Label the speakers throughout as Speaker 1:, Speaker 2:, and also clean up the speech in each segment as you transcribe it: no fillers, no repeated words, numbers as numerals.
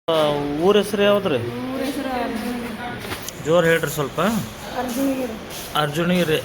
Speaker 1: ಊರ ಹೆಸರು ಯಾವ್ದ್ರಿ?
Speaker 2: ಊರ ಹೆಸರು
Speaker 1: ಜೋರು ಹೇಳ್ರಿ ಸ್ವಲ್ಪ.
Speaker 2: ಅರ್ಜುನಿಗಿರಿ.
Speaker 1: ಅರ್ಜುನಿಗಿರಿ.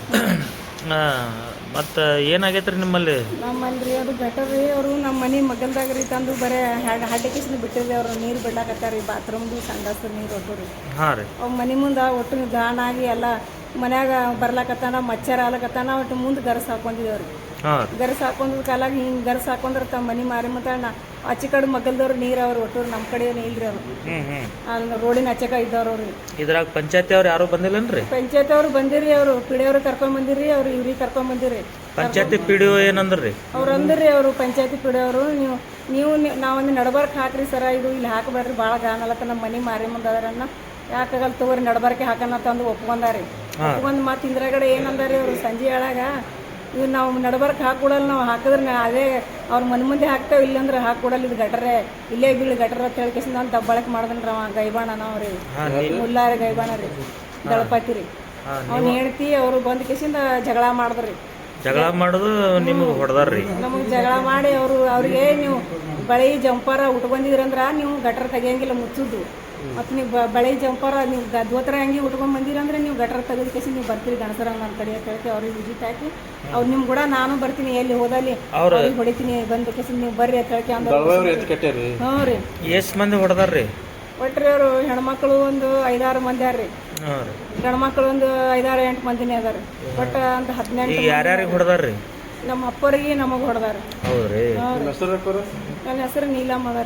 Speaker 1: ಮತ್ತು ಏನಾಗೈತ್ರಿ ನಿಮ್ಮಲ್ಲಿ?
Speaker 2: ನಮ್ಮಲ್ರಿ ಅದು ಗಟರ್ ರೀ. ಅವರು ನಮ್ಮ ಮನೆ ಮಗಲ್ದಾಗ ರೀ ತಂದು ಬರೇ ಹಡ್ಡಕಿಸ್ದು ಬಿಟ್ಟಿರಿ. ಅವರು ನೀರು ಬಿಡ್ಲಾಕತ್ತಾರ ರೀ. ಬಾತ್ರೂಮ್ದು ಸಂಡಾಸ್ದು ನೀರು ಒಟ್ಟು ರೀ.
Speaker 1: ಹಾಂ ರೀ.
Speaker 2: ಅವ್ ಮನೆ ಮುಂದೆ ಒಟ್ಟು ಗಾಣಾಗಿ ಎಲ್ಲ ಮನ್ಯಾಗ ಬರ್ಲಾಕತ್ತಾನ, ಮಚ್ಚರ ಆಲಕತ್ತಾನ. ಒಟ್ಟು ಮುಂದೆ ಗರಸ್ ಹಾಕೊಂಡಿದ್ದೇವ್ರಿ.
Speaker 1: ಹಾಂ.
Speaker 2: ಗರಸ್ ಹಾಕೊಂಡ್ ಕಾಲಾಗ ಹಿಂಗೆ ಗರಸ್ ಹಾಕೊಂಡ್ರೆ ತಮ್ಮ ಮನೆ ಮಾರಿ ಮತ್ತಾಣ ಆಚೆ ಕಡೆ ಮಗಲ್ದವ್ರು ನೀರು ಅವ್ರು ಒಟ್ಟು ನಮ್ಮ ಕಡೆ ಇಲ್ರಿ. ಅವರು ಅಲ್ಲಿ ರೋಡಿನ ಆಚೆಕ ಇದ್ದವ್ರು ಅವ್ರಿ.
Speaker 1: ಇದ್ರಾಗ ಪಂಚಾಯತಿ ಅವ್ರು ಯಾರು ಬಂದಿಲ್ಲನ್ರಿ?
Speaker 2: ಪಂಚಾಯತ್ ಅವ್ರು ಬಂದಿರಿ. ಅವರು ಪಿಡಿಯವ್ರು ಕರ್ಕೊಂಡ್ ಬಂದಿರಿ. ಅವ್ರು ಇವ್ರಿಗೆ ಕರ್ಕೊಂಡ್ ಬಂದಿರಿ.
Speaker 1: ಪಂಚಾಯತಿ ಪಿ ಡಿ ಒ ಏನಂದ್ರಿ?
Speaker 2: ಅವ್ರು ಅಂದ್ರಿ ಅವರು ಪಂಚಾಯತಿ ಪಿಡಿಯವರು, ನೀವು ನಾವೊಂದು ನಡಬರ್ಕ್ ಹಾಕ್ರಿ ಸರ, ಇದು ಇಲ್ಲಿ ಹಾಕಬೇಡ್ರಿ, ಭಾಳ ಗಾನಲತ್ತ ನಮ್ಮ ಮನೆ ಮಾರಿ ಮುಂದೆ ಅದರನ್ನ ಯಾಕಾಗಲ್ಲ ತಗೋರಿ ನಡಬರ್ಕೆ ಹಾಕೋಣ ತಂದು ಒಪ್ಕೊಂಡಾರಿ. ಒಪ್ಕೊಂಡ್ ಮತ್ತೆ ಇಂದ್ರಗಡೆ ಏನಂದಾರಿ ಅವರು ಸಂಜೆ ಹೇಳಾಗ, ಇವು ನಾವು ನಡಬರ್ಕ್ ಹಾಕೊಡಲ್ಲ, ನಾವು ಹಾಕಿದ್ರೆ ಅದೇ ಅವ್ರ ಮನೆ ಮುಂದೆ ಹಾಕ್ತೇವೆ, ಇಲ್ಲಂದ್ರೆ ಹಾಕೊಡಲ್ಲ, ಇದು ಗಟ್ರೆ ಇಲ್ಲೇ ಬೀಳು ಗಟ್ರ ಅಂತ ಹೇಳ್ಕೇಸಿಂದ ಅಂತ ದಬ್ಬಳಕೆ ಮಾಡಿದ್ರಿ ಅವ ಗೈಬಾಣ ನಾವ್ರಿ. ಮುಲ್ಲಾರಿ ಗೈಬಾಣ ರೀ, ದಳಪತಿ ರೀ. ಅವ್ನು ಹೇಳ್ತಿ ಅವರು ಬಂದ ಕೇಸಿಂದ ಜಗಳ ಮಾಡಿದ್ರಿ.
Speaker 1: ಜಗಳ ಮಾಡೋದು ನಿಮಗೆ ಹೊಡೆದಾರ್ರಿ?
Speaker 2: ನಮಗೆ ಜಗಳ ಮಾಡಿ ಅವ್ರಿಗೆ ನೀವು ಬಳೆ ಜಂಪರ ಉಟ್ಕೊಂಡಿದ್ರಂದ್ರ ನೀವು ಗಟ್ರ ತೆಗಿಯಂಗಿಲ್ಲ, ಮುಚ್ಚುದು. ಮತ್ತು ನೀವು ಬಳೆ ಜಂಪರ ನೀವು ಧೋತ್ರ ಹಂಗೆ ಉಟ್ಕೊಂಡ್ ಬಂದಿರಂದ್ರೆ ನೀವು ಗಟ್ರ ತೆಗೆದ ಕೇಸಿ ನೀವು ಬರ್ತೀರಿ ಗಣಸರಂಗ ನನ್ನ ಕಡೆ ಅಂತ ಹೇಳ್ತಿ. ಅವ್ರಿಗೆ ವಿಜಿಟ್ ಹಾಕಿ ಅವ್ರು ನಿಮ್ ಕೂಡ ನಾನು ಬರ್ತೀನಿ, ಎಲ್ಲಿ ಹೋದಲ್ಲಿ ಅವ್ರಿಗೆ ಹೊಡಿತೀನಿ, ಬಂದ ಕೇಸಿ ನೀವು ಬರ್ರಿ ಅಂತ ಹೇಳ್ತಿ ಅಂದ್ರೆ. ಹ್ಞೂ ರೀ.
Speaker 1: ಎಷ್ಟು ಮಂದಿ ಹೊಡೆದಾರ್ರಿ?
Speaker 2: ಒಟ್ರಿ ಅವರು ಹೆಣ್ಮಕ್ಳು ಒಂದು 5-6 ಮಂದಿ ಅದಾರ್ರಿ. ಗಂಡ್ಮಕ್ಳು ಒಂದು 5-6-8 ಮಂದಿನೇ ಅದಾರ. ಒಟ್ಟು ಅಂತ 18.
Speaker 1: ಯಾರ್ಯಾರಿಗೆ ಹೊಡೆದಾರ್ರಿ?
Speaker 2: ನಮ್ಮ ಅಪ್ಪರಿಗೆ ನಮಗೆ ಹೊಡೆದಾರ.
Speaker 1: ಹೌದ್ರಿ.
Speaker 2: ನನ್ನ ಹೆಸರು ನೀಲಮ್ಮ ಅದಾರ.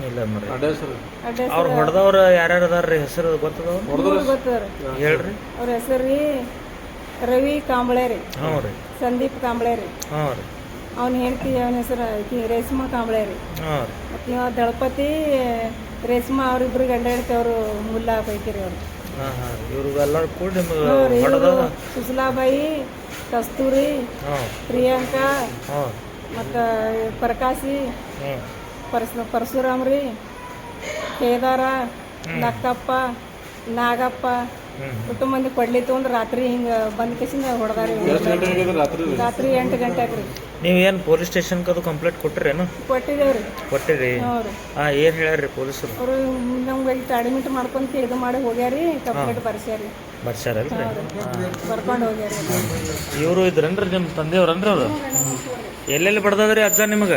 Speaker 1: ಅವ್ರು ಹೊಡೆದವ್ರು ಯಾರ್ಯಾರು ಅದಾರ್ರಿ? ಹೆಸರು ಗೊತ್ತದವ್ರು?
Speaker 2: ಗೊತ್ತದ್ರಿ.
Speaker 1: ಹೇಳ್ರಿ. ಅವ್ರ
Speaker 2: ಹೆಸರು ರೀ ರವಿ ಕಾಂಬಳೆ ರೀ.
Speaker 1: ಹ್ಞೂ ರೀ.
Speaker 2: ಸಂದೀಪ್ ಕಾಂಬಳೆ ರೀ.
Speaker 1: ಹ್ಞೂ ರೀ.
Speaker 2: ಅವ್ನ ಹೆಂಡತಿ ಅವನ ಹೆಸರು ರೇಷ್ಮಾ ಕಾಂಬಳೆ ರೀ.
Speaker 1: ಹ್ಞೂ ರೀ.
Speaker 2: ಮತ್ತು ಇವ ದಳಪತಿ ರೇಷ್ಮಾ ಅವ್ರಿಬ್ರು ಗಂಡ ಹೆಂಡತಿ ಅವರು ಮುಲ್ಲಾ ಪೈಕಿ ರೀ ಅವರು.
Speaker 1: ಇವ್ರಿಗೆಲ್ಲರೂ ಕೂಡ ನಿಮಗೆ
Speaker 2: ಸುಸಲಾಬಾಯಿ, ಕಸ್ತೂರಿ, ಪ್ರಿಯಾಂಕಾ, ಮತ್ತು ಪ್ರಕಾಶಿ, ಪರಶುರಾಮ್ ರೀ, ಕೇದಾರ, ನಕ್ಕಪ್ಪ, ನಾಗಪ್ಪ, ಒಟ್ಟು ಮಂದಿ ಕೊಡ್ಲಿ ತೊಗೊಂಡು ರಾತ್ರಿ ಹಿಂಗೆ ಬಂದ ಕೇಸಿಂದ ಹೊಡೆದಾರಿ. ರಾತ್ರಿ 8 ಗಂಟೆಗೆ ರೀ.
Speaker 1: ನೀವೇನು ಪೊಲೀಸ್ ಸ್ಟೇಷನ್ಗೆ ಅದು ಕಂಪ್ಲೇಂಟ್ ಕೊಟ್ಟಿರೇನು?
Speaker 2: ಕೊಟ್ಟಿದ್ದೇವ್ರಿ.
Speaker 1: ಕೊಟ್ಟಿರಿ? ಏನು ಹೇಳ್ಯಾರಿ ಪೊಲೀಸರು?
Speaker 2: ಅವರು ನಮ್ಗೆ ಇಟ್ಟು ಅಡ್ಮಿಟ್ ಮಾಡ್ಕೊಂತ ಇದು ಮಾಡಿ ಹೋಗ್ಯಾರಿ, ಕಂಪ್ಲೇಂಟ್ ಬರ್ಸ್ಯಾರಿ.
Speaker 1: ಬರ್ಸ್ಯಾರಲ್ರಿ?
Speaker 2: ಬರ್ಕೊಂಡು ಹೋಗ್ಯಾರಿ.
Speaker 1: ಇವರು ಇದ್ರನ್ರಿ ನಿಮ್ಮ ತಂದೆಯವ್ರನ್ರಿ? ಅವರು ಎಲ್ಲೆಲ್ಲಿ ಬಡ್ದದ್ರಿ ಅಜ್ಜ ನಿಮಗೆ?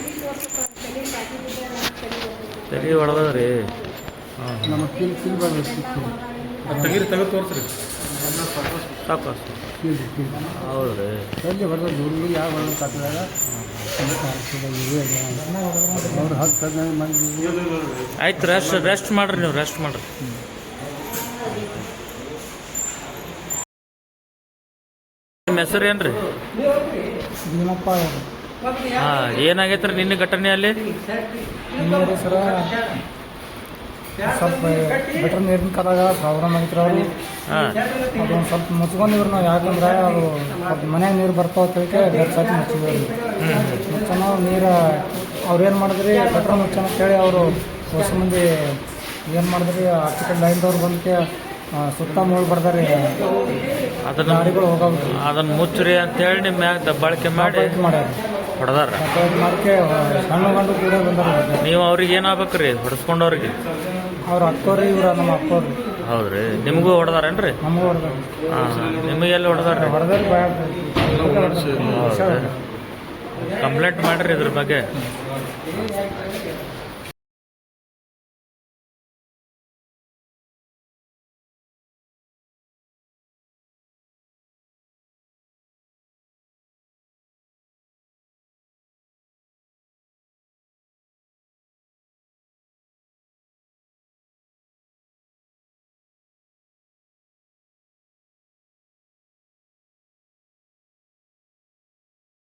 Speaker 1: ತಲೆ ಹೊಡೆದದ್ರಿ?
Speaker 3: ತೆಗೀರಿ, ತೆಗೆದು ತೋರಿಸ್ರಿ.
Speaker 1: ಸಾಕು. ಹೌದು ರೀ. ಆಯ್ತು, ರೆಸ್ಟ್ ಮಾಡ್ರಿ, ನೀವು ರೆಸ್ಟ್ ಮಾಡ್ರಿ. ನಿಮ್ಮ ಹೆಸರು ಏನ್ರಿ? ಹಾಂ, ಏನಾಗೈತ್ರಿ ನಿನ್ನೆ ಘಟನೆ ಅಲ್ಲಿ?
Speaker 4: ಸ್ವಲ್ಪ ಬೆಟರ್ ನೀರಿನ ಕಾಲಾಗ ಪ್ರಾಬ್ಲಮ್ ಆಗಿತ್ತು. ಅವರು ಅದೊಂದು ಸ್ವಲ್ಪ ಮುಚ್ಕೊಂಡಿವ್ರು ನಾವು, ಯಾಕಂದ್ರೆ ಅದು ಸ್ವಲ್ಪ ಮನ್ಯಾಗ ನೀರು ಬರ್ತಾವ ಅಂತೇಳಿ ಬೆರ್ಸಾಕಿ ಮುಚ್ಚಿದ್ವಿ. ಮುಚ್ಚನೋ ನೀರು ಅವ್ರು ಏನು ಮಾಡಿದ್ರಿ, ಬೆಟ್ರ್ ಮುಚ್ಚನ ಅಂತೇಳಿ ಅವರು ಹೊಸ ಮಂದಿ ಏನು ಮಾಡಿದ್ರಿ, ಆಚೆ ಕಡೆ ಲೈನ್ದವ್ರು ಬಂದಕ್ಕೆ ಸುತ್ತ ಮೂಳು ಬರ್ದಾರಿ. ಗಾಡಿಗಳು ಹೋಗೋದು
Speaker 1: ಅದನ್ನು ಮುಚ್ಚ್ರಿ ಅಂತೇಳಿ ನಿಮ್ಮ ಮ್ಯಾಗ ದಬ್ಬಾಳಿಕೆ ಮಾಡಿ
Speaker 4: ಮಾಡ್ಯಾರ,
Speaker 1: ಹೊಡೆದಾರ.
Speaker 4: ಮಾಡಕ್ಕೆ ಸಣ್ಣ ಗಂಡು ಕೂಡ ಬಂದಾರ.
Speaker 1: ನೀವು ಅವ್ರಿಗೆ ಏನಾಗ್ಬೇಕ್ರಿ ಹೊಡೆಸ್ಕೊಂಡವ್ರಿಗೆ?
Speaker 4: ಅವ್ರ ಅಕ್ಕವ್ರಿ, ಇವ್ರ ನಮ್ಮ ಅಕ್ಕವ್ರಿ.
Speaker 1: ಹೌದ್ರಿ. ನಿಮಗೂ ಹೊಡೆದಾರೇನ್ರಿ?
Speaker 4: ನಮಗೂ ಹೊಡೆದಾರ.
Speaker 1: ನಿಮಗೆ ಎಲ್ಲಿ ಹೊಡೆದಾರ್ರಿ?
Speaker 4: ಹೊಡೆದಾರಿ.
Speaker 1: ಕಂಪ್ಲೇಂಟ್ ಮಾಡ್ರಿ ಇದ್ರ ಬಗ್ಗೆ.